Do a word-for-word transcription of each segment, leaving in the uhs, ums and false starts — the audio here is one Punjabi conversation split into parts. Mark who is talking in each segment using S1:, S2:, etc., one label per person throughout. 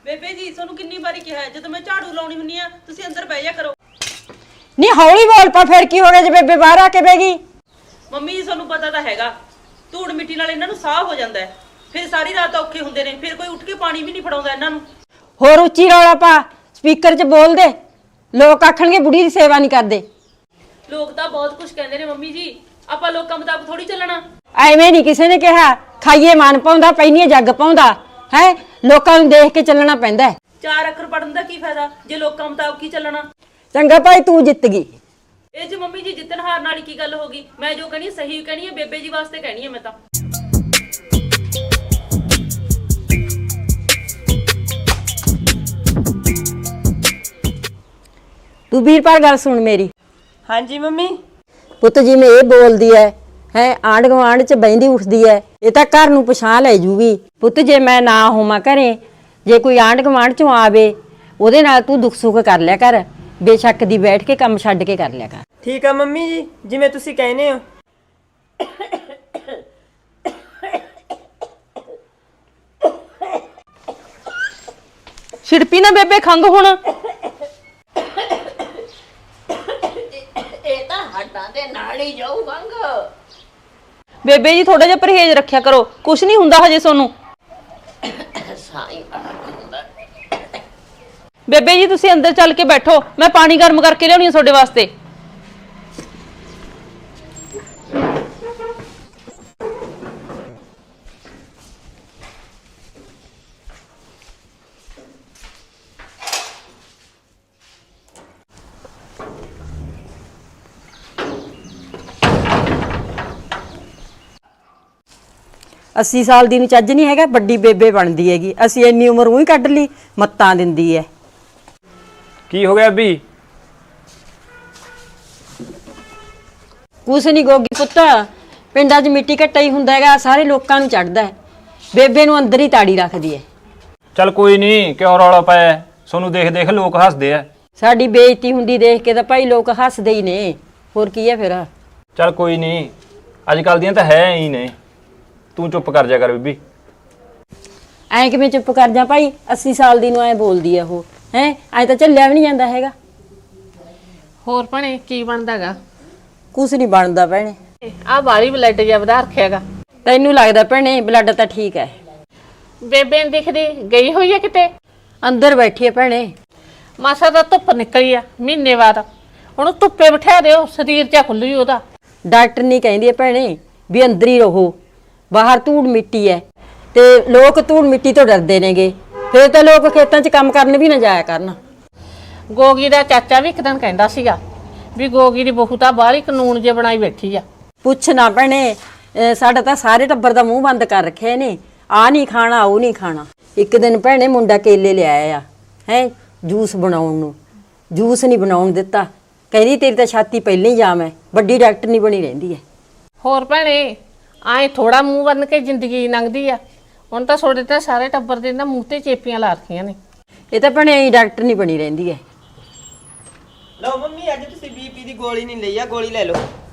S1: ਬੇਬੇ ਜੀ ਤੁਹਾਨੂੰ ਕਿੰਨੀ ਵਾਰੀ ਕਿਹਾ ਹੈ ਜਦੋਂ ਮੈਂ ਝਾੜੂ ਲਾਉਣੀ ਹੁੰਨੀ ਆ ਤੁਸੀਂ ਅੰਦਰ ਬਹਿ ਜਾ ਕਰੋ।
S2: ਨਹੀਂ ਹੌਲੀ ਬੋਲ ਪਾ, ਫਿਰ ਕੀ ਹੋ ਗਿਆ ਜੇ ਬੇਬੇ ਬਾਹਰ ਆ ਕੇ ਬਹਿ ਗਈ?
S1: ਮੰਮੀ ਜੀ ਤੁਹਾਨੂੰ ਪਤਾ ਤਾਂ ਹੈਗਾ ਧੂੜ ਮਿੱਟੀ ਨਾਲ ਇਹਨਾਂ ਨੂੰ ਸਾਹ ਹੋ ਜਾਂਦਾ ਹੈ, ਫਿਰ ਸਾਰੀ ਰਾਤ ਔਖੇ ਹੁੰਦੇ ਨੇ, ਫਿਰ ਕੋਈ ਉੱਠ ਕੇ ਪਾਣੀ ਵੀ ਨਹੀਂ ਫੜਾਉਂਦਾ ਇਹਨਾਂ ਨੂੰ।
S2: ਹੋਰ ਉੱਚੀ ਰੌਲਾ ਪਾ, ਸਪੀਕਰ 'ਚ ਬੋਲ ਦੇ, ਲੋਕ ਆਖਣਗੇ ਬੁੜੀ ਦੀ ਸੇਵਾ ਨਹੀਂ ਕਰਦੇ।
S1: ਲੋਕ ਤਾਂ ਬਹੁਤ ਕੁਝ ਕਹਿੰਦੇ ਨੇ ਮੰਮੀ ਜੀ, ਆਪਾਂ ਲੋਕਾਂ ਮੁਤਾਬਕ ਥੋੜੀ ਚੱਲਣਾ।
S2: ਐਵੇਂ ਨਹੀਂ ਕਿਸੇ ਨੇ ਕਿਹਾ ਖਾਈਏ ਮਨ ਪਾਉਂਦਾ ਪੈਣੀਏ ਜੱਗ ਪਾਉਂਦਾ ਹੈ, ਲੋਕਾਂ ਨੂੰ ਦੇਖ ਕੇ ਚੱਲਣਾ ਪੈਂਦਾ।
S1: ਚਾਰ ਅੱਖਰ ਪੜਨ ਦਾ ਕੀ ਫਾਇਦਾ ਜੇ ਲੋਕਾਂ ਮੁਤਾਬਕ ਹੀ ਚੱਲਣਾ।
S2: ਚੰਗਾ ਭਾਈ ਤੂੰ ਜਿੱਤ ਗਈ।
S1: ਇਹ 'ਚ ਮੰਮੀ ਜੀ ਜਿੱਤਣ ਹਾਰਨ ਵਾਲੀ ਕੀ ਗੱਲ ਹੋ ਗਈ? ਮੈਂ ਜੋ ਕਹਿਣੀ ਸਹੀ ਕਹਿਣੀ ਹੈ, ਬੇਬੇ ਜੀ ਵਾਸਤੇ ਕਹਿਣੀ ਹੈ ਮੈਂ ਤਾਂ।
S2: ਤੂੰ ਵੀਰਪਾਲ ਗੱਲ ਸੁਣ ਮੇਰੀ।
S3: ਹਾਂਜੀ ਮੰਮੀ।
S2: ਪੁੱਤ ਜਿਵੇਂ ਇਹ ਬੋਲਦੀ ਐ ਹੈ ਆਂਢ ਗੁਆਂਢ 'ਚ ਬਹਿੰਦੀ ਉੱਠਦੀ ਐ, ਇਹ ਤਾਂ ਘਰ ਨੂੰ ਪਛਾਣ ਲੈ ਜੂਗੀ। ਪੁੱਤ ਜੇ ਮੈਂ ਨਾ ਹੋਵਾਂ ਘਰੇ, ਜੇ ਕੋਈ ਆਂਢ ਗੁਆਂਢ 'ਚੋਂ ਆਵੇ ਉਹਦੇ ਨਾਲ ਤੂੰ ਦੁੱਖ ਸੁੱਖ ਕਰ ਲਿਆ ਕਰ, ਬੇਸ਼ੱਕ ਦੀ ਬੈਠ ਕੇ ਕੰਮ ਛੱਡ ਕੇ ਕਰ ਲਿਆ ਕਰ।
S3: ਠੀਕ ਆ ਮੰਮੀ ਜੀ, ਜਿਵੇਂ ਤੁਸੀਂ ਕਹਿੰਦੇ ਹੋ।
S1: ਛਿੜਪੀ ਨਾ ਬੇਬੇ ਖੰਗ ਹੁਣ।
S4: ਇਹ ਤਾਂ ਹੱਡਾਂ ਦੇ ਨਾਲ ਹੀ ਜਾਊ ਖੰਗ।
S1: ਬੇਬੇ ਜੀ ਥੋੜਾ ਜਿਹਾ ਪਰਹੇਜ਼ ਰੱਖਿਆ ਕਰੋ, ਕੁਛ ਨਹੀਂ ਹੁੰਦਾ ਹਜੇ ਸੋਨੂੰ।
S4: ਸਾਈਂ ਹੁੰਦਾ।
S1: ਬੇਬੇ ਜੀ ਤੁਸੀਂ ਅੰਦਰ ਚੱਲ ਕੇ ਬੈਠੋ, ਮੈਂ ਪਾਣੀ ਗਰਮ ਕਰਕੇ ਲਿਆਉਣੀ ਆ ਤੁਹਾਡੇ ਵਾਸਤੇ।
S2: अस्सी साल ਦੀ ਨੂੰ ਚੱਜ ਨਹੀਂ ਹੈਗਾ, ਵੱਡੀ ਬੇਬੇ ਬਣਦੀ ਹੈਗੀ। ਅਸੀਂ ਇੰਨੀ ਉਮਰ ਉਹੀ ਕੱਢ ਲਈ, ਮੱਤਾਂ ਦਿੰਦੀ ਐ।
S5: ਕੀ ਹੋ ਗਿਆ ਬੀ?
S2: ਕੁਛ ਨਹੀਂ ਗੋਗੀ ਪੁੱਤ, ਪਿੰਡਾਂ 'ਚ ਮਿੱਟੀ ਘੱਟਾ ਹੀ ਹੁੰਦਾ ਹੈਗਾ, ਸਾਰੇ ਲੋਕਾਂ ਨੂੰ ਚੜਦਾ ਹੈ, ਬੇਬੇ ਨੂੰ ਅੰਦਰ ਹੀ ਤਾੜੀ ਰੱਖਦੀ ਐ।
S5: ਚੱਲ ਕੋਈ ਨਹੀਂ, ਕਿਉਂ ਰੌਲਾ ਪਾਇਆ? ਸੋਨੂੰ ਦੇਖ ਦੇਖ ਲੋਕ ਹੱਸਦੇ ਆ।
S2: ਸਾਡੀ ਬੇਇੱਜ਼ਤੀ ਹੁੰਦੀ ਦੇਖ ਕੇ ਤਾਂ ਭਾਈ ਲੋਕ ਹੱਸਦੇ ਹੀ ਨੇ, ਹੋਰ ਕੀ ਹੈ ਫਿਰ।
S5: ਚੱਲ ਕੋਈ ਨਹੀਂ, ਅੱਜ ਕੱਲ ਦੀਆਂ ਤਾਂ ਹੈ ਹੀ ਨੇ, ਤੂੰ ਚੁੱਪ ਕਰ ਜਾ ਕਰ ਬੀਬੀ।
S2: ਐਂ ਕਿਵੇਂ ਚੁੱਪ ਕਰ ਜਾ ਭਾਈ, अस्सी ਸਾਲ ਦੀ ਨੂੰ ਐ ਬੋਲਦੀ ਆ ਉਹ ਹੈ, ਐ ਤਾਂ ਝੱਲਿਆ ਵੀ ਨਹੀਂ ਜਾਂਦਾ ਹੈਗਾ।
S4: ਹੋਰ ਭਣੇ ਕੀ ਬਣਦਾਗਾ?
S2: ਕੁਛ ਨਹੀਂ ਬਣਦਾ ਭੈਣੇ।
S4: ਆ ਬਾਲੀ ਬਲੱਡ ਜਿਹਾ ਵਧਾ ਰੱਖਿਆਗਾ।
S2: ਤੈਨੂੰ ਲੱਗਦਾ ਭੈਣੇ ਬਲੱਡ ਤਾਂ ਠੀਕ ਹੈ।
S4: ਬੇਬੇ ਨੀ ਦਿਖਦੀ, ਗਈ ਹੋਈ ਆ ਕਿਤੇ?
S2: ਅੰਦਰ ਬੈਠੀ ਹੈ ਭੈਣੇ।
S4: ਮਾਸਾ ਦਾ ਧੁੱਪ ਨਿਕਲੀ ਆ ਮਹੀਨੇ ਬਾਅਦ, ਹੁਣ ਧੁੱਪੇ ਬਿਠਾ ਦਿਓ, ਸਰੀਰ ਜਾ ਖੁੱਲੂ ਉਹਦਾ।
S2: ਡਾਕਟਰ ਨਹੀਂ ਕਹਿੰਦੀ ਹੈ ਭੈਣੇ ਵੀ ਅੰਦਰ ਹੀ ਰਹੋ, ਬਾਹਰ ਧੂੜ ਮਿੱਟੀ ਹੈ ਤੇ ਲੋਕ ਧੂੜ ਮਿੱਟੀ ਤੋਂ ਡਰਦੇ ਨੇਗੇ, ਫਿਰ ਤਾਂ ਲੋਕ ਖੇਤਾਂ 'ਚ ਕੰਮ ਕਰਨ ਵੀ ਨਾ ਜਾਇਆ ਕਰਨ।
S4: ਗੋਗੀ ਦਾ ਚਾਚਾ ਵੀ ਇੱਕ ਦਿਨ ਕਹਿੰਦਾ ਸੀਗਾ ਵੀ ਗੋਗੀ ਦੀ ਬਹੂ ਤਾਂ ਬਾਹਲੀ ਕਾਨੂੰਨ ਜੇ ਬਣਾਈ ਬੈਠੀ ਆ।
S2: ਪੁੱਛ ਨਾ ਭੈਣੇ, ਅਹ ਸਾਡਾ ਤਾਂ ਸਾਰੇ ਟੱਬਰ ਦਾ ਮੂੰਹ ਬੰਦ ਕਰ ਰੱਖਿਆ ਨੇ, ਆ ਨਹੀਂ ਖਾਣਾ ਉਹ ਨਹੀਂ ਖਾਣਾ। ਇੱਕ ਦਿਨ ਭੈਣੇ ਮੁੰਡਾ ਕੇਲੇ ਲਿਆਇਆ ਆ ਹੈ ਜੂਸ ਬਣਾਉਣ ਨੂੰ, ਜੂਸ ਨਹੀਂ ਬਣਾਉਣ ਦਿੱਤਾ, ਕਹਿੰਦੀ ਤੇਰੀ ਤਾਂ ਛਾਤੀ ਪਹਿਲਾਂ ਹੀ ਜਾਮ ਹੈ, ਵੱਡੀ ਡਾਕਟਰ ਨਹੀਂ ਬਣੀ ਰਹਿੰਦੀ ਹੈ।
S4: ਹੋਰ ਭੈਣੇ ਆਏ ਥੋੜਾ ਮੂੰਹ ਬੰਨ ਕੇ ਜ਼ਿੰਦਗੀ ਲੰਘਦੀ ਆ, ਹੁਣ ਤਾਂ ਤੁਹਾਡੇ ਤਾਂ ਸਾਰੇ ਟੱਬਰ ਦੇ ਨਾ ਮੂੰਹ ਤੇ ਚੇਪੀਆਂ ਲਾ ਰੱਖੀਆਂ ਨੇ।
S2: ਇਹ ਤਾਂ ਭੈਣੇ ਡਾਕਟਰ ਨਹੀਂ ਬਣੀ ਰਹਿੰਦੀ ਹੈ।
S3: ਲਓ ਮੰਮੀ, ਅੱਜ ਤੁਸੀਂ ਬੀਪੀ ਦੀ ਗੋਲੀ ਨਹੀਂ ਲਈ ਆ, ਗੋਲੀ ਲੈ ਲਓ।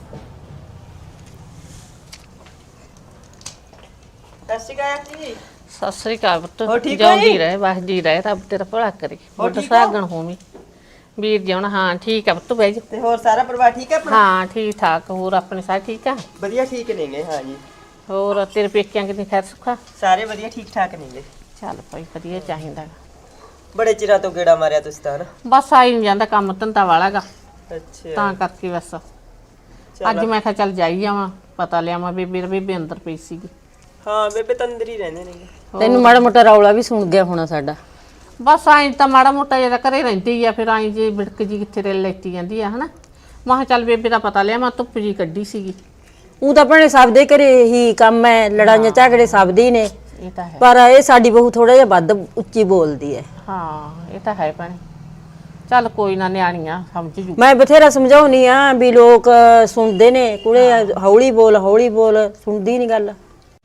S3: ਸਤਿ ਸ਼੍ਰੀ ਅਕਾਲ ਜੀ।
S4: ਸਤਿ ਸ੍ਰੀ ਅਕਾਲ
S3: ਹੋਰ
S4: ਪੁੱਤ,
S3: ਠੀਕ ਹੋ
S4: ਜਿਉਂਦੀ
S3: ਜੀ?
S4: ਰਹੇ ਵਸਦੀ ਰਹੇ, ਰੱਬ ਤੇਰਾ ਭਲਾ ਕਰੇ।
S3: ਹੋਰ
S4: ਬੁੱਢ
S3: ਠੀਕ ਹੋ?
S4: ਸਾਗਣ ਹੋਵੀਂ ਵੀਰ ਜਿਉਣ। ਹਾਂ ਠੀਕ ਆ ਪੁੱਤ, ਬਹਿ ਜਾ।
S3: ਤੇ ਹੋਰ ਸਾਰਾ ਪਰਿਵਾਰ ਠੀਕ ਹੈ ਆਪਣਾ?
S4: ਹਾਂ ਠੀਕ ਠਾਕ, ਹੋਰ ਆਪਣੇ ਸਾਰੇ ਠੀਕ ਆ?
S3: ਵਧੀਆ ਠੀਕ ਨੇਗੇ। ਹਾਂ ਜੀ।
S4: ਹੋਰ ਤੇਰੇ ਪੇਕਿਆਂ ਕਿੰਨੀ ਖੈਰ ਸੁੱਖਾ?
S3: ਸਾਰੇ ਵਧੀਆ ਠੀਕ ਠਾਕ ਨੇਗੇ।
S4: ਚੱਲ ਭਾਈ ਵਧੀਆ ਚਾਹੀਦਾ।
S3: ਬੜੇ ਚਿਰਾਂ ਤੋਂ ਗੇੜਾ ਮਾਰਿਆ ਤੁਸੀਂ ਤਾਂ ਨਾ।
S4: ਬਸ ਆਈ ਨਹੀਂ ਜਾਂਦਾ, ਕੰਮ ਧੰਦਾ ਵਾਲਾਗਾ,
S3: ਅੱਛਾ
S4: ਤਾਂ ਕਰਕੇ ਬਸ
S3: ਚਲੋ।
S4: ਅੱਜ ਮੈਂ ਕਿਹਾ ਚੱਲ ਜਾਈ ਆਵਾਂ, ਪਤਾ ਲਿਆਵਾਂ ਬੇਬੇ ਬੇਬੇ ਅੰਦਰ ਪਈ ਸੀਗੀ।
S3: ਹਾਂ ਬੇਬੇ ਤਾਂ ਅੰਦਰ ਹੀ ਰਹਿੰਦੇ ਨੇਗੇ।
S2: ਤੈਨੂੰ ਮਾੜਾ ਮੋਟਾ ਰੌਲਾ ਵੀ ਸੁਣ ਗਿਆ ਹੋਣਾ ਸਾਡਾ।
S4: ਬਸ ਆਈ ਤਾਂ ਮਾੜਾ ਮੋਟਾ ਜਿਹੜਾ ਘਰੇ ਰਹਿੰਦੀ ਆ, ਫਿਰ ਆਈ ਜੇ ਬਿੜਕ ਜੀ ਕਿੱਥੇ ਰੇਲ ਲੈਤੀ ਜਾਂਦੀ ਆ ਹਨਾ। ਮੈਂ ਕਿਹਾ ਚੱਲ ਬੇਬੇ ਦਾ ਪਤਾ ਲਿਆ, ਮੈਂ ਧੁੱਪ ਜੀ ਕੱਢੀ ਸੀਗੀ।
S2: ਉਹ ਤਾਂ ਭੈਣੇ ਸਭ ਦੇ ਘਰੇ ਹੀ ਕੰਮ ਹੈ, ਲੜਾਈਆਂ ਝਗੜੇ ਸਭ ਦੇ ਹੀ ਨੇ,
S4: ਇਹ ਤਾਂ ਹੈ।
S2: ਪਰ ਇਹ ਸਾਡੀ ਬਹੂ ਥੋੜਾ ਜਿਹਾ ਵੱਧ ਉੱਚੀ ਬੋਲਦੀ ਹੈ।
S4: ਹਾਂ ਇਹ ਤਾਂ ਹੈ ਭੈਣੇ, ਚੱਲ ਕੋਈ ਨਾ, ਨਿਆਣੀਆਂ ਸਮਝ ਜੂ।
S2: ਮੈਂ ਬਥੇਰਾ ਸਮਝਾਉਣੀ ਆ ਵੀ ਲੋਕ ਸੁਣਦੇ ਨੇ, ਕੁੜੇ ਹੌਲੀ ਬੋਲ ਹੌਲੀ ਬੋਲ, ਸੁਣਦੀ ਨਹੀਂ ਗੱਲ।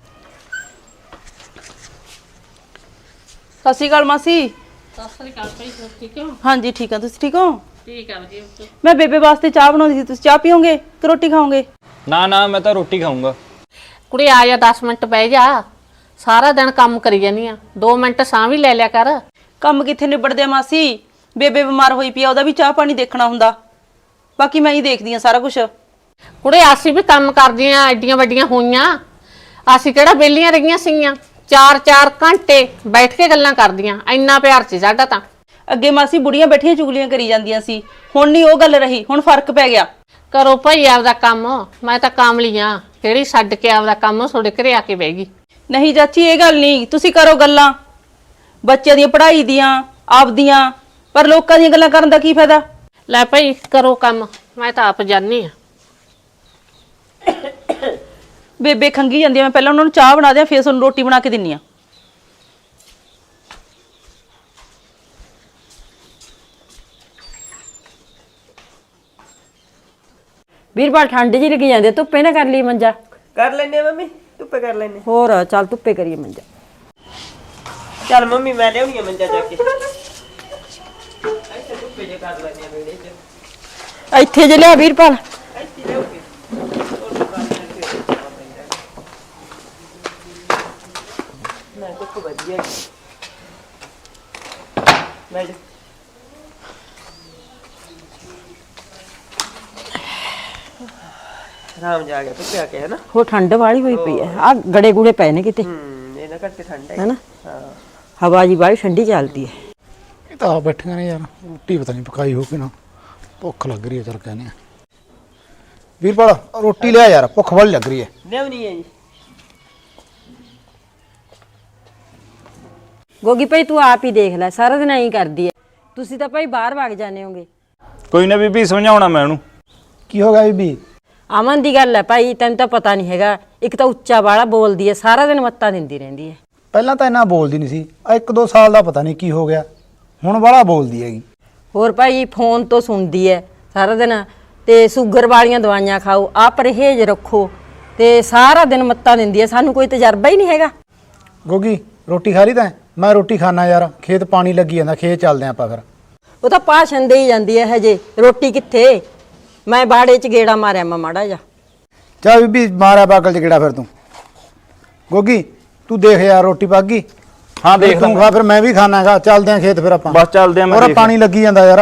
S1: ਸਤਿ ਸ਼੍ਰੀ ਅਕਾਲ ਮਾਸੀ।
S4: ਸਤਿ ਸ੍ਰੀ ਅਕਾਲ ਭਾਈ, ਠੀਕ ਹੋ?
S1: ਹਾਂਜੀ ਠੀਕ ਆ, ਤੁਸੀਂ ਠੀਕ ਹੋ?
S4: ਠੀਕ ਆ ਵਧੀਆ।
S1: ਮੈਂ ਬੇਬੇ ਵਾਸਤੇ ਚਾਹ ਬਣਾਉਂਦੀ ਸੀ, ਤੁਸੀਂ ਚਾਹ ਪੀਓਗੇ ਕਿ ਰੋਟੀ ਖਾਓਗੇ?
S5: ਨਾ ਨਾ, ਮੈਂ ਤਾਂ ਰੋਟੀ ਖਾਊਂਗਾ।
S4: ਕੁੜੀ ਆ ਜਾ, ਦਸ ਮਿੰਟ ਬਹਿ ਜਾ, ਸਾਰਾ ਦਿਨ ਕੰਮ ਕਰੀ ਜਾਨੀ ਆ, ਦੋ ਮਿੰਟ ਸਾਹ ਵੀ ਲੈ ਲਿਆ ਕਰ।
S1: ਕੰਮ ਕਿੱਥੇ ਨਿਬੜਦੇ ਆ ਮਾਸੀ? ਬੇਬੇ ਬਿਮਾਰ ਹੋਈ ਪਈ ਆ, ਉਹਦਾ ਵੀ ਚਾਹ ਪਾਣੀ ਦੇਖਣਾ ਹੁੰਦਾ। ਬਾਕੀ ਮੈਂ ਹੀ ਦੇਖਦੀ ਆ ਸਾਰਾ ਕੁਝ।
S4: ਕੁੜੇ ਅਸੀਂ ਵੀ ਕੰਮ ਕਰਦੀਆਂ, ਐਡੀਆਂ ਵੱਡੀਆਂ ਹੋਈਆਂ, ਅਸੀਂ ਕਿਹੜਾ ਵਿਹਲੀਆਂ ਰਹੀਆਂ ਸੀਗੀਆਂ। ਚਾਰ ਚਾਰ ਘੰਟੇ ਬੈਠ ਕੇ ਗੱਲਾਂ ਕਰਦੀਆਂ, ਇੰਨਾ ਪਿਆਰ ਸੀ ਸਾਡਾ ਤਾਂ।
S1: ਅੱਗੇ ਮਾਸੀ ਬੁੜੀਆਂ ਬੈਠੀਆਂ ਚੁਗਲੀਆਂ ਕਰੀ ਜਾਂਦੀਆਂ ਸੀ, ਹੁਣ ਨਹੀਂ ਉਹ ਗੱਲ ਰਹੀ, ਹੁਣ ਫਰਕ ਪੈ ਗਿਆ।
S4: ਕਰੋ ਭਾਈ ਆਪਦਾ ਕੰਮ, ਮੈਂ ਤਾਂ ਕਾਮਲੀ ਆ, ਕਿਹੜੀ ਛੱਡ ਕੇ ਆਪਦਾ ਕੰਮ ਤੁਹਾਡੇ ਘਰੇ ਆ ਕੇ ਬਹਿ ਗਈ।
S1: ਨਹੀਂ ਚਾਚੀ ਇਹ ਗੱਲ ਨਹੀਂ, ਤੁਸੀਂ ਕਰੋ ਗੱਲਾਂ ਬੱਚਿਆਂ ਦੀਆਂ ਪੜ੍ਹਾਈ ਦੀਆਂ ਆਪਦੀਆਂ, ਪਰ ਲੋਕਾਂ ਦੀਆਂ ਗੱਲਾਂ ਕਰਨ ਦਾ ਕੀ ਫਾਇਦਾ?
S4: ਲੈ ਭਾਈ ਕਰੋ ਕੰਮ, ਮੈਂ ਤਾਂ ਆਪ ਜਾਣੀ ਆ।
S1: ਬੇਬੇ ਖੰਗੀ ਜਾਂਦੀ ਆ, ਮੈਂ ਪਹਿਲਾਂ ਉਹਨਾਂ ਨੂੰ ਚਾਹ ਬਣਾ ਦਿਆਂ, ਫਿਰ ਤੁਹਾਨੂੰ ਰੋਟੀ ਬਣਾ ਕੇ ਦਿੰਨੀ ਆ।
S2: ਵੀਰਪਾਲ ਠੰਡ ਜੀ ਲੱਗੀ ਜਾਂਦੀ, ਧੁੱਪੇ ਨਾ ਕਰ ਲਈ ਮੰਜਾ।
S3: ਕਰ ਲੈਨੇ ਮੰਮੀ, ਧੁੱਪੇ ਕਰ ਲੈਨੇ।
S2: ਹੋਰ ਚੱਲ ਧੁੱਪੇ ਕਰੀਏ ਮੰਜਾ।
S3: ਚੱਲ ਮੰਮੀ ਮੈਂ ਲਿਆਉਣੀ ਆ ਮੰਜਾ ਚੱਕ ਕੇ। ਇੱਥੇ ਧੁੱਪੇ ਜੇ ਕਰ ਲੈਨੇ ਆ ਵਿਹੜੇ 'ਚ।
S2: ਇੱਥੇ ਜੇ ਲਿਆ ਵੀਰਪਾਲ।
S3: ਇੱਥੇ ਲਿਆਉਗੇ। ਮੈਂ ਧੁੱਪ ਵਧੀਆ ਗਈ। ਮੈਂ ਜਾ ਰਾਮ ਜਾ ਗਿਆ ਧੁੱਪੇ ਆ ਕੇ, ਹੈ ਨਾ?
S2: ਹੋ ਠੰਡ ਵਾਲੀ ਹੋਈ ਪਈ ਹੈ, ਆ ਗੜੇ ਗੁੜੇ ਪਏ ਨੇ ਕਿਤੇ,
S3: ਹੂੰ ਇਹਨਾਂ ਕਰਕੇ ਠੰਡ ਹੈ
S2: ਹੈਨਾ?
S3: ਹਾਂ।
S2: ਹਵਾ ਜੀ ਬਾਹਲੀ ਠੰਡੀ ਚੱਲਦੀ ਹੈ।
S6: ਇਹ ਤਾਂ ਆ ਬੈਠੀਆਂ ਨੇ ਯਾਰ, ਰੋਟੀ ਪਤਾ ਨਹੀਂ ਪਕਾਈ ਹੋ ਕਿ ਨਾ, ਭੁੱਖ ਲੱਗ ਰਹੀ ਹੈ। ਚੱਲ ਕਹਿੰਦੇ ਆ ਵੀਰਪਾਲ ਰੋਟੀ ਲਿਆ ਯਾਰ, ਭੁੱਖ ਵਾਲੀ ਲੱਗ ਰਹੀ ਹੈ।
S3: ਲਿਆਉਣੀ ਹੈ ਜੀ।
S2: ਗੋਗੀ ਭਾਈ ਤੂੰ ਆਪ ਹੀ ਦੇਖ ਲੈ, ਸਾਰਾ ਦਿਨ ਐਂ ਕਰਦੀ ਹੈ। ਤੁਸੀਂ ਤਾਂ ਭਾਈ ਬਾਹਰ ਵਗ ਜਾਂਦੇ ਹੋਗੇ।
S5: ਕੋਈ ਨਾ ਬੀਬੀ, ਸਮਝਾਉਣਾ ਮੈਂ ਉਹਨੂੰ।
S6: ਕੀ ਹੋ ਗਿਆ ਬੀਬੀ?
S2: ਅਮਨ ਦੀ ਗੱਲ ਹੈ ਭਾਈ, ਤੈਨੂੰ ਤਾਂ ਪਤਾ ਨਹੀਂ ਹੈਗਾ। ਇੱਕ ਤਾਂ ਉੱਚਾ ਵਾਲਾ ਬੋਲਦੀ ਹੈ, ਸਾਰਾ ਦਿਨ ਮੱਤਾਂ ਦਿੰਦੀ ਰਹਿੰਦੀ ਹੈ।
S6: ਪਹਿਲਾਂ ਤਾਂ ਇੰਨਾ ਬੋਲਦੀ ਨਹੀਂ ਸੀ, ਆ ਇੱਕ ਦੋ ਸਾਲ ਦਾ ਪਤਾ ਨਹੀਂ ਕੀ ਹੋ ਗਿਆ, ਹੁਣ ਵਾਲਾ ਬੋਲਦੀ ਹੈਗੀ।
S2: ਹੋਰ ਭਾਈ ਫੋਨ ਤੋਂ ਸੁਣਦੀ ਹੈ ਸਾਰਾ ਦਿਨ, ਤੇ ਸ਼ੂਗਰ ਵਾਲੀਆਂ ਦਵਾਈਆਂ ਖਾਓ, ਆਹ ਪਰਹੇਜ਼ ਰੱਖੋ, ਤੇ ਸਾਰਾ ਦਿਨ ਮੱਤਾਂ ਦਿੰਦੀ ਹੈ। ਸਾਨੂੰ ਕੋਈ ਤਜਰਬਾ ਹੀ ਨਹੀਂ ਹੈਗਾ।
S6: ਗੋਗੀ ਰੋਟੀ ਖਾ ਲਈ ਤੈਂ? ਮੈਂ ਰੋਟੀ ਖਾਣਾ ਯਾਰ, ਖੇਤ ਪਾਣੀ ਲੱਗੀ ਜਾਂਦਾ, ਖੇਤ ਚੱਲਦੇ ਆਪਾਂ ਫਿਰ।
S2: ਉਹ ਤਾਂ ਭਾਸ਼ਣ ਦੇ ਹੀ ਜਾਂਦੀ ਹੈ ਹਜੇ, ਰੋਟੀ ਕਿੱਥੇ? ਮੈਂ ਬਾੜੇ 'ਚ ਗੇੜਾ ਮਾਰਿਆ ਮੈਂ ਮਾੜਾ ਜਾ।
S6: ਚੱਲ ਬੀਬੀ ਮਾਰਿਆ ਬਾਗਲ 'ਚ ਕਿਹੜਾ ਫਿਰ ਤੂੰ। ਗੋਗੀ ਤੂੰ ਦੇਖ ਯਾਰ ਰੋਟੀ ਪੱਕ ਗਈ?
S5: ਹਾਂ
S6: ਫਿਰ
S5: ਦੇਖ
S6: ਤੂੰ ਖਾ, ਫਿਰ ਮੈਂ ਵੀ ਖਾਣਾਗਾ। ਚੱਲਦੇ ਆਂ ਖੇਤ ਫਿਰ ਆਪਾਂ।
S5: ਬਸ ਚੱਲਦੇ ਆਂ, ਮੈਂ
S6: ਹੋਰ
S5: ਦੇਖ
S6: ਪਾਣੀ ਲੱਗੀ ਜਾਂਦਾ ਯਾਰ।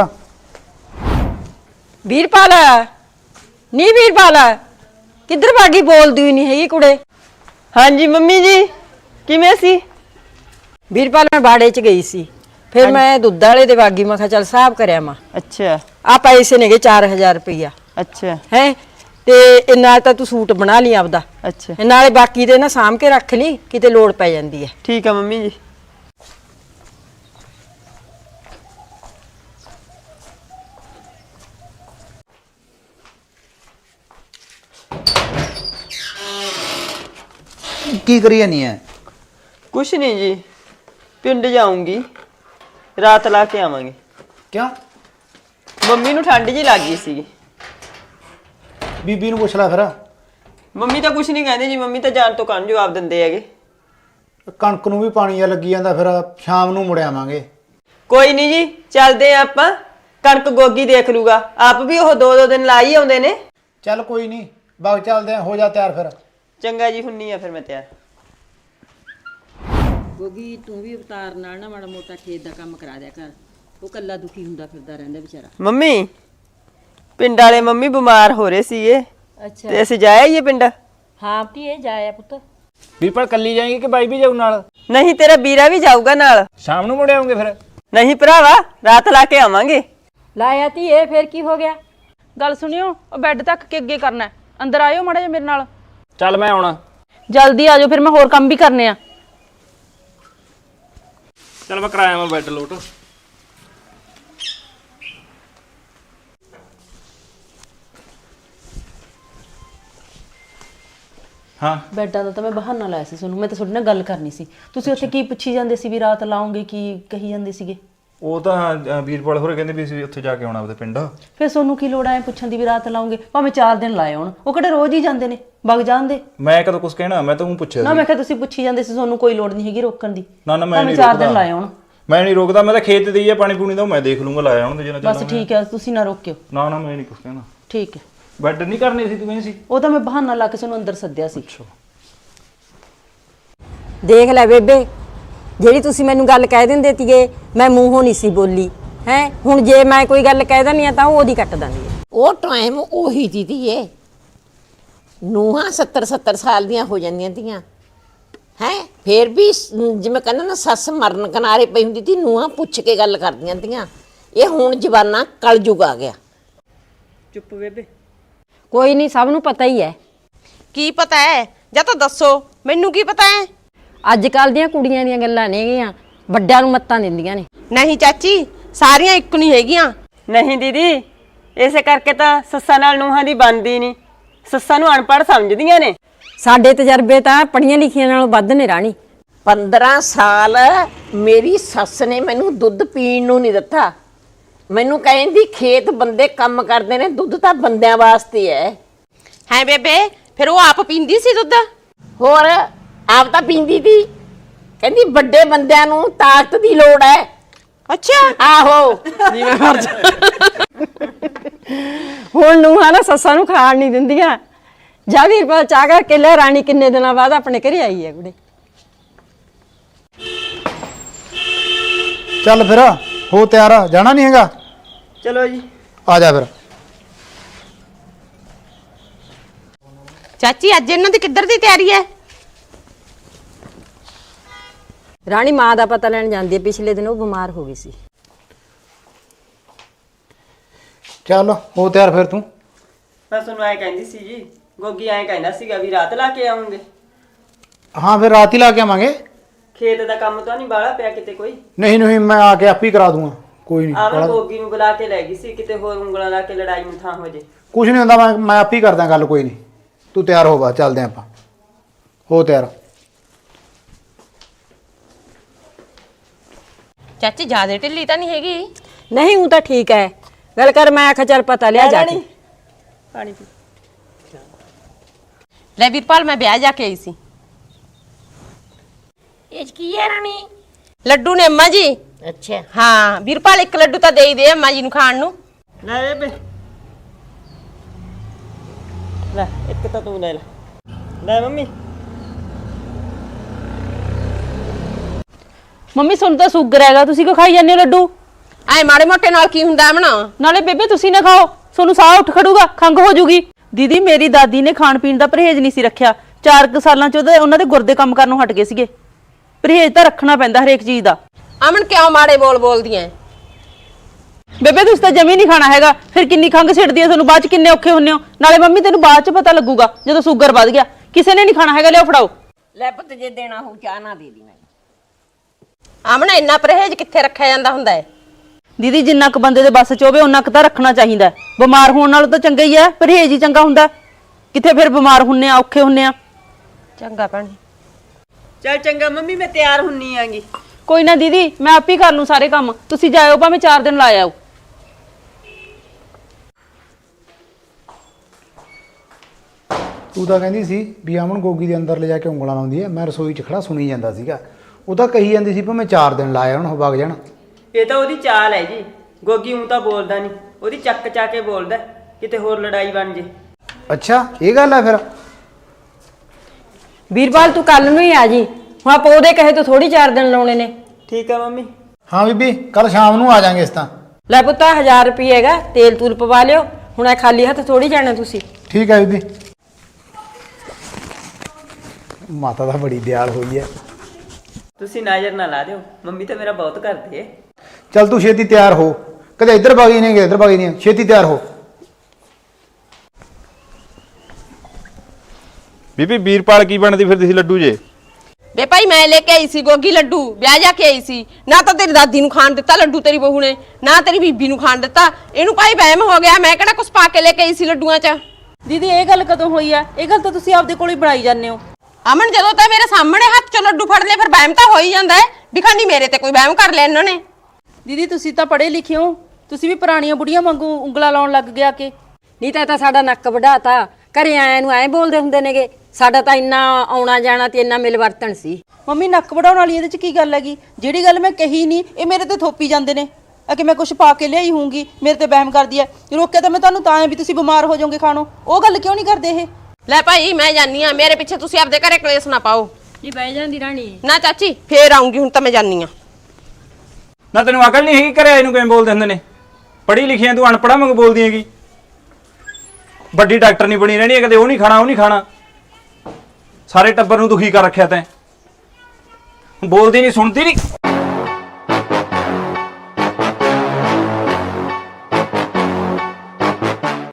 S2: ਵੀਰਪਾਲ ਨਹੀਂ, ਵੀਰਪਾਲ ਕਿੱਧਰ ਭਾਗੀ? ਬੋਲਦੀ ਹੀ ਨਹੀਂ ਹੈਗੀ ਕੁੜੇ।
S3: ਹਾਂਜੀ ਮੰਮੀ ਜੀ, ਕਿਵੇਂ ਸੀ?
S2: ਵੀਰਪਾਲ ਮੈਂ ਬਾੜੇ 'ਚ ਗਈ ਸੀ, ਫਿਰ ਮੈਂ ਦੁੱਧ ਵਾਲੇ ਦੇ ਵਾਗੀ, ਮੈਂ ਕਿਹਾ ਚੱਲ ਹਿਸਾਬ ਕਰਿਆ ਮਾਂ।
S3: ਅੱਛਾ
S2: ਆ ਪੈਸੇ ਨੇਗੇ ਚਾਰ ਹਜ਼ਾਰ ਰੁਪਈਆ
S3: ਅੱਛਾ
S2: ਹੈ, ਤੇ ਇਹ ਨਾਲ ਤਾਂ ਤੂੰ ਸੂਟ ਬਣਾ ਲਈ ਆਪਦਾ,
S3: ਅੱਛਾ
S2: ਇਹ ਨਾਲੇ ਬਾਕੀ ਦੇ ਨਾ ਸਾਂਭ ਕੇ ਰੱਖ ਲਈ, ਕਿਤੇ ਲੋੜ ਪੈ ਜਾਂਦੀ ਹੈ।
S3: ਠੀਕ ਆ ਮੰਮੀ ਜੀ।
S6: ਕੀ ਕਰੀ ਜਾਨੀ ਹੈ?
S3: ਕੁਛ ਨਹੀਂ ਜੀ, ਪਿੰਡ ਜਾਊਂਗੀ, ਰਾਤ ਲਾ ਕੇ ਆਵਾਂਗੇ।
S6: ਕਿਉਂ?
S3: ਮੰਮੀ ਨੂੰ ਠੰਡ ਜੀ ਲੱਗ ਗਈ ਸੀਗੀ।
S6: ਬੀਬੀ ਨੂੰ ਪੁੱਛ ਲੈ ਫਿਰ।
S3: ਮੰਮੀ ਤਾਂ ਕੁਛ ਨਹੀਂ ਕਹਿੰਦੇ ਜੀ, ਮੰਮੀ ਤਾਂ ਜਾਣ ਤੋਂ ਕੰਨ ਜਵਾਬ ਦਿੰਦੇ ਹੈਗੇ।
S6: ਕਣਕ ਨੂੰ ਵੀ ਪਾਣੀ ਆ ਲੱਗੀ ਜਾਂਦਾ, ਫਿਰ ਸ਼ਾਮ ਨੂੰ ਮੁੜ ਆਵਾਂਗੇ।
S3: ਕੋਈ ਨਹੀਂ ਜੀ, ਚੱਲਦੇ ਆ ਆਪਾਂ। ਕਣਕ ਗੋਗੀ ਦੇਖ ਲੂਗਾ, ਆਪ ਵੀ ਉਹ ਦੋ ਦੋ ਦਿਨ ਲਾ ਹੀ ਆਉਂਦੇ ਨੇ।
S6: ਚੱਲ ਕੋਈ ਨਹੀਂ, ਬਾਗ ਚੱਲਦੇ ਆ, ਹੋ ਜਾ ਤਿਆਰ ਫਿਰ।
S3: ਚੰਗਾ ਜੀ, ਹੁੰਨੀ ਆ ਫਿਰ ਮੈਂ ਤਿਆਰ।
S2: ਗੋਗੀ ਤੂੰ ਵੀ ਅਵਤਾਰ ਨਾਲ ਨਾ ਮਾੜਾ ਮੋਟਾ ਖੇਤ ਦਾ ਕੰਮ ਕਰਾ ਦਿਆ ਕਰ, ਉਹ ਕੱਲਾ ਦੁਖੀ ਹੁੰਦਾ ਫਿਰਦਾ ਰਹਿੰਦਾ ਵਿਚਾਰਾ।
S3: ਮੰਮੀ ਪਿੰਡ ਵਾਲੇ ਮੰਮੀ ਬਿਮਾਰ ਹੋ ਰਹੇ ਸੀਗੇ,
S2: ਅੱਛਾ
S3: ਤੇ ਅਸੀਂ ਜਾਇਆ ਹੀ ਪਿੰਡ।
S2: ਹਾਂ ਧੀਏ ਜਾਇਆ ਪੁੱਤ।
S5: ਵੀਰਪਾਲ ਕੱਲੀ ਜਾਏਗੀ ਕਿ ਬਾਈ ਵੀ ਜਾਊ ਨਾਲ?
S3: ਨਹੀਂ ਤੇਰਾ ਵੀਰਾ ਵੀ ਜਾਊਗਾ ਨਾਲ।
S5: ਸ਼ਾਮ ਨੂੰ ਮੁੜ ਆਉਂਗੇ ਫਿਰ?
S3: ਨਹੀਂ ਭਰਾਵਾ, ਰਾਤ ਲਾ ਕੇ ਆਵਾਂਗੇ।
S2: ਲਾਇਆ ਧੀਏ, ਫੇਰ ਕੀ ਹੋ ਗਿਆ?
S1: ਗੱਲ ਸੁਣਿਓ, ਉਹ ਬੈੱਡ ਤੱਕ ਕੇ ਅੱਗੇ ਕਰਨਾ ਹੈ। ਅੰਦਰ ਆਇਓ ਮਾੜਾ ਜਿਹਾ ਮੇਰੇ ਨਾਲ।
S5: ਚੱਲ ਮੈਂ ਆਉਣਾ।
S1: ਜਲਦੀ ਆ ਜਾਓ, ਫਿਰ ਮੈਂ ਹੋਰ ਕੰਮ ਵੀ ਕਰਨੇ ਆ।
S5: ਚੱਲ ਮੈਂ ਕਰਾਇਆ ਮੈਂ ਬੈੱਡ ਲੋਟ। ਹਾਂ
S1: ਬੈੱਡਾਂ ਦਾ ਤਾਂ ਮੈਂ ਬਹਾਨਾ ਲਾਇਆ ਸੀ ਤੁਹਾਨੂੰ, ਮੈਂ ਤਾਂ ਤੁਹਾਡੇ ਨਾਲ ਗੱਲ ਕਰਨੀ ਸੀ। ਤੁਸੀਂ ਉੱਥੇ ਕੀ ਪੁੱਛੀ ਜਾਂਦੇ ਸੀ ਵੀ ਰਾਤ ਲਾਉਂਗੇ, ਕੀ ਕਹੀ ਜਾਂਦੇ ਸੀਗੇ?
S5: ਉਹ ਤਾਂ ਵੀਰਪਾਲ ਹੋਰੇ ਕਹਿੰਦੇ ਵੀ ਅਸੀਂ ਉੱਥੇ ਜਾ ਕੇ ਆਉਣਾ ਆਪਦੇ ਪਿੰਡ।
S1: ਫਿਰ ਤੁਹਾਨੂੰ ਕੀ ਲੋੜ ਆਏ ਪੁੱਛਣ ਦੀ ਵੀ ਰਾਤ ਲਾਉਂਗੇ? ਭਾਵੇਂ ਚਾਰ ਦਿਨ ਲਾਏ ਆਉਣ, ਉਹ ਕਿਹੜੇ ਰੋਜ਼ ਹੀ ਜਾਂਦੇ ਨੇ, ਵਗ ਜਾਂਦੇ।
S5: ਮੈਂ ਕਦੋਂ ਕੁਝ ਕਹਿਣਾ, ਮੈਂ ਤਾਂ ਉਹ ਪੁੱਛਿਆ
S1: ਨਾ
S5: ਸੀ।
S1: ਮੈਂ ਕਿਹਾ ਤੁਸੀਂ ਪੁੱਛੀ ਜਾਂਦੇ ਸੀ, ਤੁਹਾਨੂੰ ਕੋਈ ਲੋੜ ਨਹੀਂ ਹੈਗੀ ਰੋਕਣ ਦੀ।
S5: ਨਾ ਨਾ ਮੈਂ
S1: ਭਾਵੇਂ
S5: ਨਹੀਂ
S1: ਚਾਰ ਦਿਨ
S5: ਰੋਕਦਾ,
S1: ਲਾਏ ਆਉਣ।
S5: ਮੈਂ ਨਹੀਂ ਰੋਕਦਾ। ਮੈਂ ਤਾਂ ਖੇਤ ਤੇ ਹੀ ਆ, ਪਾਣੀ ਪੂਣੀ ਦਾ ਮੈਂ ਦੇਖ ਲੂੰਗਾ, ਲਾਇਆ ਹੁਣ ਜਿੰਨਾ
S1: ਬਸ ਠੀਕ ਹੈ, ਤੁਸੀਂ ਨਾ ਰੋਕਿਓ।
S5: ਨਾ ਨਾ ਮੈਂ ਨਹੀਂ ਕੁਝ ਕਹਿਣਾ।
S1: ਠੀਕ ਹੈ,
S5: ਬੈੱਡ ਨਹੀਂ ਕਰਨੀ ਸੀ ਤੂੰ ਕਹਿੰਦੀ ਸੀ?
S1: ਉਹ ਤਾਂ ਮੈਂ ਬਹਾਨਾ ਲਾ ਕੇ ਤੁਹਾਨੂੰ ਅੰਦਰ ਸੱਦਿਆ ਸੀ।
S2: ਦੇਖ ਲੈ ਬੇਬੇ, ਜਿਹੜੀ ਤੁਸੀਂ ਮੈਨੂੰ ਗੱਲ ਕਹਿ ਦਿੰਦੇ ਤੀਗੇ ਮੈਂ ਮੂੰਹੋਂ ਨਹੀਂ ਸੀ ਬੋਲੀ ਹੈ। ਹੁਣ ਜੇ ਮੈਂ ਕੋਈ ਗੱਲ ਕਹਿ ਦਿੰਦੀ ਆ ਤਾਂ ਉਹ ਉਹਦੀ ਕੱਟ ਦਿੰਦੀ ਹੈ।
S4: ਉਹ ਟਾਈਮ ਉਹੀ ਦੀਦੀ ਏ ਨੂੰਹਾਂ ਸੱਤਰ ਸੱਤਰ ਸਾਲ ਦੀਆਂ ਹੋ ਜਾਂਦੀਆਂ ਤੀਆਂ ਹੈ, ਫੇਰ ਵੀ ਸ- ਜਿਵੇਂ ਕਹਿੰਦਾ ਨਾ ਸੱਸ ਮਰਨ ਕਿਨਾਰੇ ਪਈ ਹੁੰਦੀ ਤੀ, ਨੂੰਹਾਂ ਪੁੱਛ ਕੇ ਗੱਲ ਕਰਦੀਆਂ ਤੀਆਂ। ਇਹ ਹੁਣ ਜਵਾਨਾ ਕਲਯੁਗ ਆ ਗਿਆ।
S1: ਚੁੱਪ ਬੇਬੇ।
S2: ਕੋਈ ਨਹੀਂ, ਸਭ ਨੂੰ ਪਤਾ ਹੀ ਹੈ।
S3: ਕੀ ਪਤਾ ਹੈ ਜਾਂ ਤਾਂ ਦੱਸੋ, ਮੈਨੂੰ ਕੀ ਪਤਾ ਹੈ?
S2: ਅੱਜ ਕੱਲ ਦੀਆਂ ਕੁੜੀਆਂ ਦੀਆਂ ਗੱਲਾਂ ਨੇਗੀਆਂ, ਵੱਡਿਆਂ ਨੂੰ ਮੱਤਾਂ ਦਿੰਦੀਆਂ ਨੇ।
S3: ਨਹੀਂ ਚਾਚੀ, ਸਾਰੀਆਂ ਇੱਕ ਨਹੀਂ ਹੈਗੀਆਂ। ਨਹੀਂ ਦੀਦੀ, ਇਸੇ ਕਰਕੇ ਤਾਂ ਸੱਸਾਂ ਨਾਲ ਨੂੰਹਾਂ ਦੀ ਬਣਦੀ ਨਹੀਂ। ਸੱਸਾਂ ਨੂੰ ਅਨਪੜ੍ਹ ਸਮਝਦੀਆਂ ਨੇ।
S2: ਸਾਡੇ ਤਜਰਬੇ ਤਾਂ ਪੜ੍ਹੀਆਂ ਲਿਖੀਆਂ ਨਾਲੋਂ ਵੱਧ ਨੇ ਰਾਣੀ।
S4: ਪੰਦਰਾਂ ਸਾਲ ਮੇਰੀ ਸੱਸ ਨੇ ਮੈਨੂੰ ਦੁੱਧ ਪੀਣ ਨੂੰ ਨਹੀਂ ਦਿੱਤਾ। ਮੈਨੂੰ ਕਹਿੰਦੀ ਖੇਤ ਬੰਦੇ ਕੰਮ ਕਰਦੇ ਨੇ, ਦੁੱਧ ਤਾਂ ਬੰਦਿਆਂ ਵਾਸਤੇ ਹੈ।
S3: ਹੈ ਬੇਬੇ, ਫਿਰ ਉਹ ਆਪ ਪੀਂਦੀ ਸੀ ਦੁੱਧ?
S4: ਹੋਰ ਆਪ ਤਾਂ ਪੀਂਦੀ ਤੀ। ਕਹਿੰਦੀ ਵੱਡੇ ਬੰਦਿਆਂ ਨੂੰ ਤਾਕਤ ਦੀ ਲੋੜ ਹੈ।
S3: ਅੱਛਾ।
S4: ਆਹੋ
S3: ਜਿਵੇਂ ਮਰ ਜਾ।
S2: ਹੁਣ ਨੂੰਹਾਂ ਨਾ ਸੱਸਾਂ ਨੂੰ ਖਾਣ ਨਹੀਂ ਦਿੰਦੀਆਂ। ਜਾ ਵੀਰਪਾਲ ਚਾਹ ਕਰਕੇ ਲੈ, ਰਾਣੀ ਕਿੰਨੇ ਦਿਨਾਂ ਬਾਅਦ ਆਪਣੇ ਘਰੇ ਆਈ ਹੈ ਕੁੜੇ।
S6: ਚੱਲ ਫਿਰ ਹੋ ਤਿਆਰ, ਜਾਣਾ ਨਹੀਂ ਹੈਗਾ?
S3: ਚਲੋ ਜੀ।
S6: ਆ ਜਾ ਫਿਰ।
S3: ਚਾਚੀ, ਅੱਜ ਇਹਨਾਂ ਦੀ ਕਿੱਧਰ ਦੀ ਤਿਆਰੀ ਹੈ?
S2: ਰਾਣੀ ਮਾਂ ਦਾ ਪਤਾ ਲੈਣ ਜਾਂਦੀ ਹੈ, ਪਿਛਲੇ ਦਿਨ ਉਹ ਬਿਮਾਰ ਹੋ ਗਈ ਸੀ।
S6: ਚੱਲ ਹੋ ਤਿਆਰ ਫਿਰ ਤੂੰ।
S3: ਮੈਂ ਤੁਹਾਨੂੰ ਐ ਕਹਿੰਦੀ ਸੀ ਜੀ, ਗੋਗੀ ਐ ਕਹਿੰਦਾ ਸੀਗਾ ਵੀ ਰਾਤ ਲਾ ਕੇ ਆਉਂਗੇ।
S6: ਹਾਂ ਫਿਰ ਰਾਤ ਹੀ ਲਾ ਕੇ ਆਵਾਂਗੇ।
S3: ਖੇਤ ਦਾ ਕੰਮ ਤਾਂ ਨਹੀਂ ਬਾਹਲਾ ਪਿਆ ਕਿਤੇ ਕੋਈ?
S6: ਨਹੀਂ ਨਹੀਂ, ਮੈਂ ਆ ਕੇ ਆਪ ਹੀ ਕਰਾ ਦੂੰਗਾ, ਕੋਈ ਨਹੀਂ।
S3: ਆਵਰ ਗੋਗੀ ਨੂੰ ਬੁਲਾ ਕੇ ਲੈ ਗਈ ਸੀ, ਕਿਤੇ ਹੋਰ ਉਂਗਲਾਂ ਲਾ ਕੇ ਲੜਾਈ ਨੂੰ ਥਾਂ ਹੋ ਜੇ।
S6: ਕੁਝ ਨਹੀਂ ਹੁੰਦਾ, ਮੈਂ ਮੈਂ ਆਪ ਹੀ ਕਰਦਾ ਗੱਲ, ਕੋਈ ਨਹੀਂ। ਤੂੰ ਤਿਆਰ ਹੋ, ਬਾ ਚੱਲਦੇ ਆਪਾਂ। ਹੋ ਤਿਆਰ।
S3: ਚਾਚੀ ਜਿਆਦਾ ਢਿੱਲੀ ਤਾਂ ਨਹੀਂ ਹੈਗੀ?
S2: ਨਹੀਂ ਹੂੰ ਤਾਂ ਠੀਕ ਹੈ। ਗੱਲ ਕਰ, ਮੈਂ ਆਖਿਆ ਚੱਲ ਪਤਾ ਲਿਆ ਜਾ ਕੇ।
S3: ਪਾਣੀ ਪੀ ਲੈ ਵੀਰਪਾਲ, ਮੈਂ ਵਿਆਹ ਜਾ ਕੇ ਆਈ ਸੀ।
S4: ਇਹ ਕੀ ਹੈ ਰਾਣੀ?
S3: ਲੱਡੂ ਨੇ ਅੰਮਾ ਜੀ।
S4: ਅੱਛਾ
S3: ਹਾਂ ਵੀਰਪਾਲ, ਇੱਕ ਲੱਡੂ ਤਾਂ ਦੇ ਹੀ ਦੇ ਅੰਮਾ ਜੀ ਨੂੰ ਖਾਣ ਨੂੰ। ਲੈ ਬੇ, ਲੈ ਇੱਕ ਤਾਂ ਤੂੰ ਲੈ ਲੈ। ਲੈ ਮੰਮੀ।
S1: ਮੰਮੀ ਤੁਹਾਨੂੰ ਤਾਂ ਸ਼ੂਗਰ ਹੈਗਾ, ਤੁਸੀਂ ਕਿਉਂ ਖਾਈ ਜਾਂਦੇ ਹੋ ਲੱਡੂ?
S3: ਐ ਮਾੜੇ ਮੋਟੇ ਨਾਲ ਕੀ ਹੁੰਦਾ ਅਮਣਾ?
S1: ਨਾਲੇ ਬੇਬੇ ਤੁਸੀਂ ਨਾ ਖਾਓ, ਤੁਹਾਨੂੰ ਸਾਹ ਉੱਠ ਖੜੂਗਾ, ਖੰਘ ਹੋ ਜੂਗੀ। ਦੀਦੀ ਮੇਰੀ ਦਾਦੀ ਨੇ ਖਾਣ ਪੀਣ ਦਾ ਪਰਹੇਜ਼ ਨਹੀਂ ਸੀ ਰੱਖਿਆ। ਚਾਰ ਕੁ ਸਾਲਾਂ ਚ ਉਹਦੇ ਉਹਨਾਂ ਦੇ ਗੁਰਦੇ ਕੰਮ ਕਰਨੋਂ ਹਟ ਗਏ ਸੀਗੇ। ਪਰਹੇਜ਼ ਤਾਂ ਰੱਖਣਾ ਪੈਂਦਾ ਹਰੇਕ ਚੀਜ਼ ਦਾ।
S3: ਅਮਨ ਕਿਉਂ ਮਾੜੇ ਬੋਲ ਬੋਲਦੀਆਂ?
S1: ਬੇਬੇ ਤੁਸੀਂ ਤਾਂ ਜਮੀ ਨਹੀਂ ਖਾਣਾ ਹੈਗਾ, ਫਿਰ ਕਿੰਨੀ ਖੰਘ ਛਿੜਦੀ ਹੈ ਤੁਹਾਨੂੰ, ਬਾਅਦ ਚ ਕਿੰਨੇ ਔਖੇ ਹੁੰਨੇ ਹੋ। ਨਾਲੇ ਮੰਮੀ ਤੈਨੂੰ ਬਾਅਦ ਚ ਪਤਾ ਲੱਗੂਗਾ ਜਦੋਂ ਸ਼ੂਗਰ ਵੱਧ ਗਿਆ। ਕਿਸੇ ਨੇ ਨਹੀਂ ਖਾਣਾ ਹੈਗਾ, ਲਿਆਓ ਫੜਾਓ।
S4: ਲੈ ਪੁੱਤ, ਜੇ ਦੇਣਾ ਹੋ ਚਾਹ ਨਾ ਦੇ ਦੀ ਮੈਨੂੰ।
S3: ਅਮਨ, ਇੰਨਾ ਪਰਹੇਜ਼ ਕਿੱਥੇ ਰੱਖਿਆ ਜਾਂਦਾ ਹੁੰਦਾ ਹੈ?
S1: ਦੀਦੀ ਜਿੰਨਾ ਕੁ ਬੰਦੇ ਦੇ ਬਸ ਚ ਹੋਵੇ ਉਹਨਾਂ ਕੁ ਤਾਂ ਰੱਖਣਾ ਚਾਹੀਦਾ ਹੈ। ਬਿਮਾਰ ਹੋਣ ਨਾਲੋਂ ਤਾਂ ਚੰਗਾ ਹੀ ਹੈ, ਪਰਹੇਜ਼ ਹੀ ਚੰਗਾ ਹੁੰਦਾ। ਕਿੱਥੇ ਫਿਰ ਬਿਮਾਰ ਹੁੰਨੇ ਆ, ਔਖੇ ਹੁੰਨੇ ਆ।
S3: ਚੰਗਾ ਭੈਣ। ਚੱਲ ਚੰਗਾ ਮੰਮੀ, ਮੈਂ ਤਿਆਰ ਹੁੰਨੀ ਆਂਗੀ।
S1: ਕੋਈ ਨਾ ਦੀਦੀ, ਮੈਂ ਆਪ ਹੀ ਕਰ ਲੂੰ ਸਾਰੇ ਕੰਮ, ਤੁਸੀਂ ਜਾਇਓ ਭਾਵੇਂ ਚਾਰ ਦਿਨ ਲਾ ਆਓ।
S6: ਤੂੰ ਤਾਂ ਕਹਿੰਦੀ ਸੀ ਵੀ ਅਮਨ ਗੋਗੀ ਦੇ ਅੰਦਰ ਲੈ ਜਾ ਕੇ ਉਂਗਲਾਂ ਲਾਉਂਦੀ ਹੈ। ਮੈਂ ਰਸੋਈ 'ਚ ਖੜਾ ਸੁਣੀ ਜਾਂਦਾ ਸੀਗਾ। ਉਹ ਤਾਂ ਕਹੀ ਜਾਂਦੀ ਸੀ ਭਾਵੇਂ ਚਾਰ ਦਿਨ ਲਾਇਆ ਹੁਣ ਵਗ ਜਾਣ।
S3: ਇਹ ਤਾਂ ਉਹਦੀ ਚਾਲ ਹੈ ਜੀ। ਗੋਗੀ ਉਂ ਤਾਂ ਬੋਲਦਾ ਨਹੀਂ, ਉਹਦੀ ਚੱਕ ਚਾ ਕੇ ਬੋਲਦਾ, ਕਿਤੇ ਹੋਰ ਲੜਾਈ ਬਣ ਜੇ।
S6: ਅੱਛਾ, ਇਹ ਗੱਲ ਹੈ ਫਿਰ।
S2: ਵੀਰਪਾਲ ਤੂੰ ਕੱਲ ਨੂੰ ਹੀ ਆ ਜੀ, ਹੁਣ ਆਪਾਂ ਉਹਦੇ ਕਹੇ ਤੋਂ ਥੋੜੀ ਚਾਰ ਦਿਨ ਲਾਉਣੇ ਨੇ।
S3: ਠੀਕ ਆ ਮੰਮੀ।
S6: ਹਾਂ ਬੀਬੀ, ਕੱਲ ਸ਼ਾਮ ਨੂੰ ਆ ਜਾਾਂਗੇ ਇਸ ਤਾਂ।
S2: ਲੈ ਪੁੱਤਾ ਹਜ਼ਾਰ ਰੁਪਏ ਹੈਗਾ, ਤੇਲ ਤੂਲ ਪਵਾ ਲਿਓ। ਹੁਣ ਇਹ ਖਾਲੀ ਹੱਥ ਥੋੜੀ ਜਾਣਾ ਤੁਸੀਂ।
S6: ਠੀਕ ਹੈ ਬੀਬੀ। ਮਾਤਾ ਤਾਂ ਬੜੀ ਦਿਆਲ ਹੋਈ ਹੈ।
S3: ਤੁਸੀਂ ਨਜ਼ਰ ਨਾ ਲਾ ਦਿਓ, ਮੰਮੀ ਤਾਂ ਮੇਰਾ ਬਹੁਤ ਕਰਦੀ ਏ।
S6: ਚੱਲ ਤੂੰ ਛੇਤੀ ਤਿਆਰ ਹੋ, ਕਦੇ ਇੱਧਰ ਬਾਗੀ ਨਹੀਂ, ਇੱਧਰ ਬਾਗੀ ਨਹੀਂ, ਛੇਤੀ ਤਿਆਰ ਹੋ।
S5: ਬੀਬੀ ਵੀਰਪਾਲ ਕੀ ਬਣਦੀ ਫਿਰਦੀ ਸੀ ਲੱਡੂ ਜੇ?
S3: ਵੇ ਭਾਈ, ਮੈਂ ਲੈ ਕੇ ਆਈ ਸੀ ਗੋਗੀ ਲੱਡੂ, ਵਿਆਹ ਜਾ ਕੇ ਆਈ ਸੀ। ਨਾ ਤਾਂ ਤੇਰੀ ਦਾਦੀ ਨੂੰ ਖਾਣ ਦਿੱਤਾ ਲੱਡੂ ਤੇਰੀ ਬਹੂ ਨੇ, ਨਾ ਤੇਰੀ ਬੀਬੀ ਨੂੰ ਖਾਣ ਦਿੱਤਾ। ਇਹਨੂੰ ਭਾਈ ਵਹਿਮ ਹੋ ਗਿਆ, ਮੈਂ ਕਿਹੜਾ ਕੁਛ ਪਾ ਕੇ ਲੈ ਕੇ ਆਈ ਸੀ ਲੱਡੂਆਂ 'ਚ।
S1: ਦੀਦੀ ਇਹ ਗੱਲ ਕਦੋਂ ਹੋਈ ਆ? ਇਹ ਗੱਲ ਤਾਂ ਤੁਸੀਂ ਆਪਦੇ ਕੋਲ ਹੀ ਬਣਾਈ ਜਾਂਦੇ ਹੋ।
S3: ਅਮਨ, ਜਦੋਂ ਤਾਂ ਮੇਰੇ ਸਾਹਮਣੇ ਹੱਥ 'ਚ ਲੱਡੂ ਫੜ ਲਏ ਫਿਰ ਵਹਿਮ ਤਾਂ ਹੋ ਹੀ ਜਾਂਦਾ ਹੈ। ਦਿਖਾਣੀ ਮੇਰੇ ਤੇ ਕੋਈ ਵਹਿਮ ਕਰ ਲਿਆ ਇਹਨਾਂ ਨੇ।
S1: ਦੀਦੀ ਤੁਸੀਂ ਤਾਂ ਪੜ੍ਹੇ ਲਿਖੇ ਹੋ, ਤੁਸੀਂ ਵੀ ਪੁਰਾਣੀਆਂ ਬੁੜੀਆਂ ਵਾਂਗੂ ਉਂਗਲਾ ਲਾਉਣ ਲੱਗ ਗਿਆ ਕਿ
S2: ਨਹੀਂ ਤਾਂ ਇਹ ਤਾਂ ਸਾਡਾ ਨੱਕ ਵਢਾਤਾ। ਘਰੇ ਆਇਆਂ ਨੂੰ ਐਂ ਬੋਲਦੇ ਹੁੰਦੇ ਨੇਗੇ। ਸਾਡਾ ਤਾਂ ਇੰਨਾ ਆਉਣਾ ਜਾਣਾ ਤੇ ਇੰਨਾ ਮਿਲ ਵਰਤਣ ਸੀ।
S1: ਮੰਮੀ ਨੱਕ ਵਢਾਉਣ ਵਾਲੀ ਇਹਦੇ ਚ ਕੀ ਗੱਲ ਹੈਗੀ? ਜਿਹੜੀ ਗੱਲ ਮੈਂ ਕਹੀ ਨਹੀਂ, ਇਹ ਮੇਰੇ ਤੇ ਥੋਪੀ ਜਾਂਦੇ ਨੇ ਆ ਕਿ ਮੈਂ ਕੁਝ ਪਾ ਕੇ ਲਿਆਈ ਹੋਊਂਗੀ, ਮੇਰੇ ਤੇ ਵਹਿਮ ਕਰਦੀ ਹੈ। ਰੋਕਿਆ ਤਾਂ ਮੈਂ ਤੁਹਾਨੂੰ ਤਾਂ ਹੈ ਵੀ ਤੁਸੀਂ ਬਿਮਾਰ ਹੋ ਜਾਓਗੇ ਖਾਣੋਂ। ਉਹ ਗੱਲ ਕਿਉਂ ਨਹੀਂ ਕਰਦੇ ਇਹ?
S3: ਲੈ ਭਾਈ, ਮੈਂ ਜਾਨੀ ਆ, ਮੇਰੇ ਪਿੱਛੇ ਤੁਸੀਂ ਆਪਦੇ ਘਰੇ ਕਲੇਸ਼ ਨਾ ਪਾਓ।
S2: ਨਹੀਂ ਬਹਿ ਜਾਂਦੀ ਰਾਣੀ।
S3: ਨਾ ਚਾਚੀ ਫੇਰ ਆਉਂਗੀ, ਹੁਣ ਤਾਂ ਮੈਂ ਜਾਨੀ ਆ।
S5: ਨਾ ਤੈਨੂੰ ਅਕਲ ਨਹੀਂ ਹੈਗੀ ਘਰੇ ਇਹਨੂੰ ਕਿਵੇਂ ਬੋਲਦੇ ਹੁੰਦੇ ਨੇ? ਪੜ੍ਹੀ ਲਿਖੀ ਐ ਤੂੰ, ਅਨਪੜ੍ਹਾਂ ਵਾਂਗ ਬੋਲਦੀ ਹੈਗੀ। ਵੱਡੀ ਡਾਕਟਰ ਨਹੀਂ ਬਣੀ ਰਹਿਣੀ ਹੈ, ਕਦੇ ਉਹ ਨਹੀਂ ਖਾਣਾ ਉਹ ਨਹੀਂ ਖਾਣਾ। ਸਾਰੇ ਟੱਬਰ ਨੂੰ ਦੁਖੀ ਕਰ ਰੱਖਿਆ ਤੈਂ, ਬੋਲਦੀ ਨਹੀਂ ਸੁਣਦੀ ਨਹੀਂ।